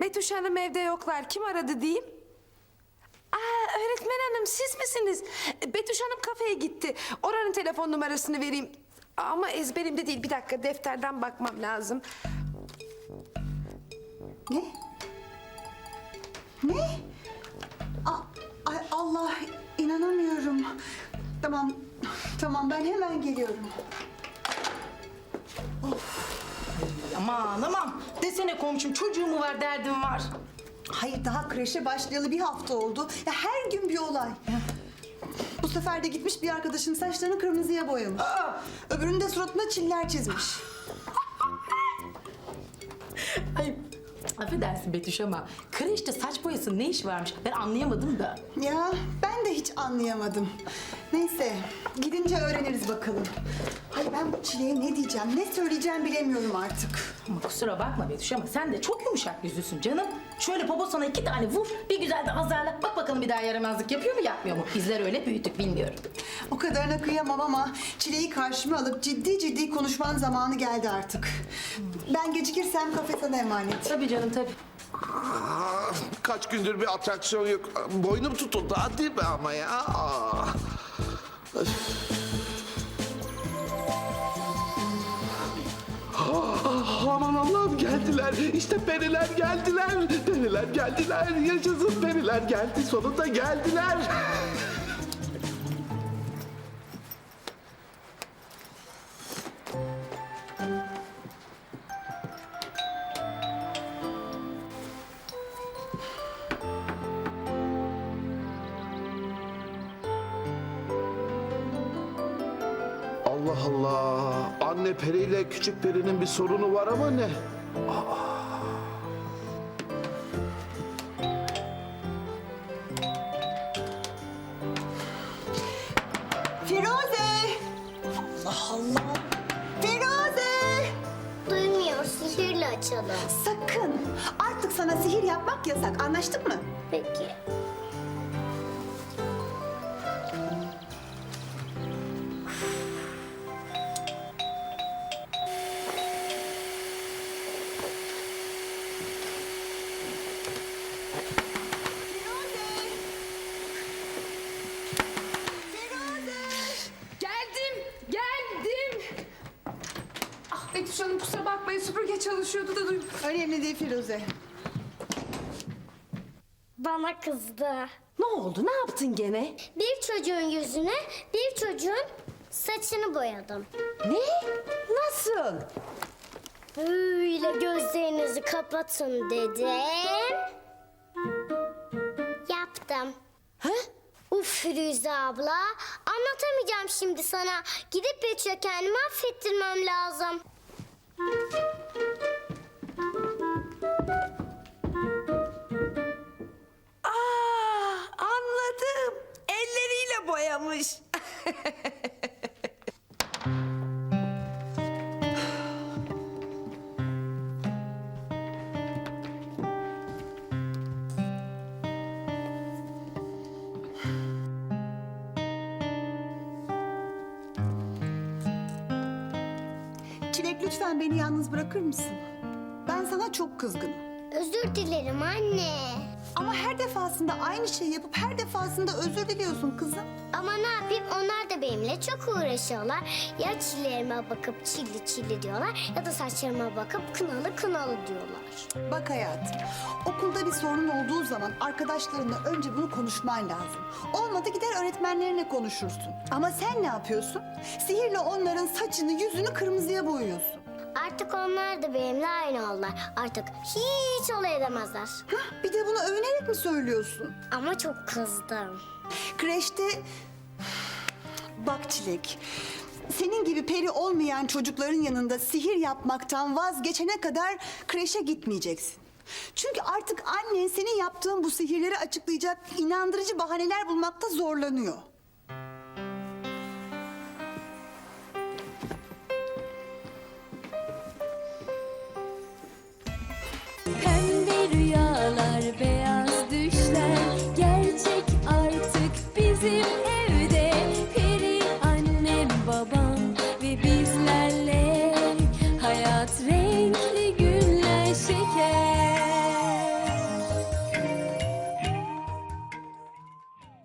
Betüş Hanım evde yoklar. Kim aradı diyeyim? Aa, öğretmen hanım siz misiniz? Betüş Hanım kafeye gitti. Oranın telefon numarasını vereyim. Ama ezberimde değil. Bir dakika defterden bakmam lazım. Ne? Ne? Ay Allah, inanamıyorum. Tamam ben hemen geliyorum. Aman desene komşum, çocuğu mu var, derdim var. Hayır, daha kreşe başlayalı bir hafta oldu. Ya her gün bir olay. Bu sefer de gitmiş bir arkadaşın saçlarını kırmızıya boyamış. Öbürünün de suratına çiller çizmiş. Ay affedersin Betüş ama kreşte saç boyasının ne işi varmış, ben anlayamadım da. Ya ben de hiç anlayamadım. Neyse, gidince öğreniriz bakalım. Hayır, ben bu Çile'ye ne diyeceğim, ne söyleyeceğim bilemiyorum artık. Ama kusura bakma Betüş ama sen de çok yumuşak yüzlüsün canım. Şöyle poposuna 2 tane vur, bir güzel de azarla. Bak bakalım bir daha yaramazlık yapıyor mu yapmıyor mu? Bizler öyle büyüttük, bilmiyorum. O kadarına kıyamam ama Çile'yi karşıma alıp ciddi konuşmanın zamanı geldi artık. Ben gecikirsem kafe sana emanet. Tabii canım tabii. Kaç gündür bir atraksiyon yok. Boynum tutuldu hadi be ama ya. Aman Allah'ım geldiler. İşte periler geldiler. Periler geldiler. Yaşasın periler geldi. Sonunda geldiler. Allah Allah. Anne periyle küçük perinin bir sorunu var ama ne? Firuze! Allah Allah! Firuze! Duymuyor, sihirle açalım. Sakın! Artık sana sihir yapmak yasak. Anlaştık mı? Peki. Geldim. Ah Betüş Hanım kusura bakmayın süpürge çalışıyordu da duydum. Önemli değil Firuze. Bana kızdı. Ne oldu? Ne yaptın gene? Bir çocuğun yüzüne, bir çocuğun saçını boyadım. Ne? Nasıl? Böyle gözlerinizi kapatın dedim. Yaptım. Ha? Uf Firuze abla, anlatamayacağım şimdi sana. Gidip Betüş'e kendimi affettirmem lazım. Aa, anladım. Elleriyle boyamış. Çilek lütfen beni yalnız bırakır mısın? Ben sana çok kızgınım. Özür dilerim anne. Ama her defasında aynı şeyi yapıp her defasında özür diliyorsun kızım. Ama ne yapayım, onlar da benimle çok uğraşıyorlar. Ya çillerime bakıp çilli diyorlar ya da saçlarıma bakıp kınalı diyorlar. Bak hayatım, okulda bir sorun olduğu zaman arkadaşlarınla önce bunu konuşman lazım. Olmadı gider öğretmenlerine konuşursun. Ama sen ne yapıyorsun? Sihirle onların saçını, yüzünü kırmızıya boyuyorsun. Artık onlar da benimle aynı oldular. Artık hiç olay edemezler. Hah, bir de bunu övünerek mi söylüyorsun? Ama çok kızdım. Kreşte... Bak Çilek, senin gibi peri olmayan çocukların yanında sihir yapmaktan vazgeçene kadar kreşe gitmeyeceksin. Çünkü artık annen senin yaptığın bu sihirleri açıklayacak inandırıcı bahaneler bulmakta zorlanıyor.